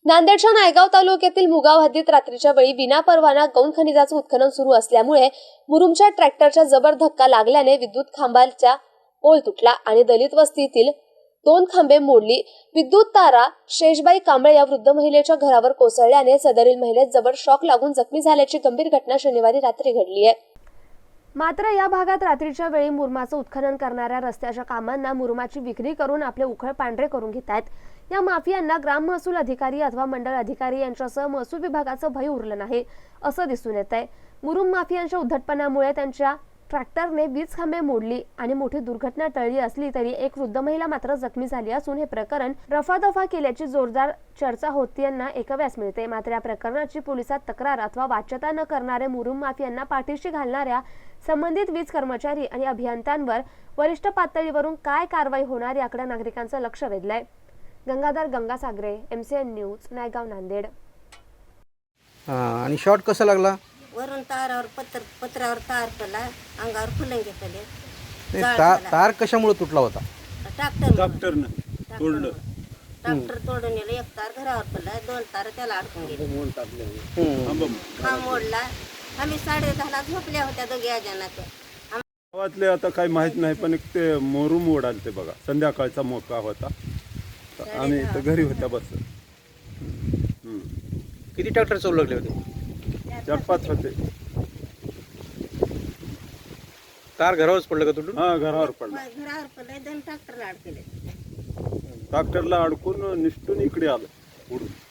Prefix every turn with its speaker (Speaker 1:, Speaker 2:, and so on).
Speaker 1: नांदेडच्या नायगाव तालुक्यातील मुगाव हद्दीत रात्रीच्या वेळी विनापरवाना गौण खनिजाचं उत्खनन सुरू असल्यामुळे मुरुमच्या ट्रॅक्टरच्या जबर धक्का लागल्याने विद्युत खांबाचा पोल तुटला आणि दलित वस्तीतील 2 खांबे मोडली. विद्युत तारा शेषबाई कांबळे या वृद्ध महिलेच्या घरावर कोसळल्याने सदरील महिलेस जबर शॉक लागून जखमी झाल्याची गंभीर घटना शनिवारी रात्री घडली आहे. मात्र या भागात रात्रीच्या वेळी मुरुमाचं उत्खनन करणाऱ्या रस्त्याच्या कामांना मुरुमाची विक्री करून आपले उखळ पांढरे करून घेत आहेत. या माफियांना ग्राम महसूल अधिकारी अथवा मंडळ अधिकारी यांच्यासह महसूल विभागाचं भय उरलं नाही असं दिसून येत आहे. मुरुम माफियांच्या उद्धटपणामुळे त्यांच्या ट्रॅक्टरने 20 खांबे मोडली आणि मोठी दुर्घटना टळली असली तरी एक वृद्ध महिला मात्र जखमी झाली असून हे प्रकरण रफादफा केल्याची जोरदार चर्चा होतीयांना ऐकव्यास मिळते. मात्र या प्रकरणाची पोलिसात तक्रार अथवा वाच्यता न करणारे मुरुम माफियांना पाठीशी घालणाऱ्या संबंधित वीज कर्मचारी आणि अभियंत्यांवर वरिष्ठ पातळीवरून काय कारवाई होणार याकडे नागरिकांचं लक्ष वेधलंय. Gangadhar Gangasagare, MCN news, Naigaon, Nanded.
Speaker 2: आणि शॉट कसा लागला?
Speaker 3: वरून तारावर पत्रावर तार पडला, अंगावर फुलंगे पडले.
Speaker 2: तार कशामुळे तुटला होता?
Speaker 3: ट्रॅक्टरनं तोडलं. ट्रॅक्टर तोडून नेलं. एक तार घरावर पडला, 2 तार त्याला अडकून गेले. हा मोडला. आम्ही 10:30ला झोपल्या होत्या दोघी अजानाच्या.
Speaker 4: गावातले आता काही माहित नाही, पण एक ते मोरूम ओढाल ते बघा. संध्याकाळचा मोका होता. आम्ही इथं घरी होत्या बस.
Speaker 2: किती ट्रॅक्टर चालू लागले होते?
Speaker 4: 4-5 होते.
Speaker 2: तार घरावरच पडलं का तुटून?
Speaker 4: हा, घरावर पडला.
Speaker 3: घरावर पडले, 2 ट्रॅक्टरला अडकले.
Speaker 4: ट्रॅक्टरला अडकून निष्ठून इकडे आलं उडून.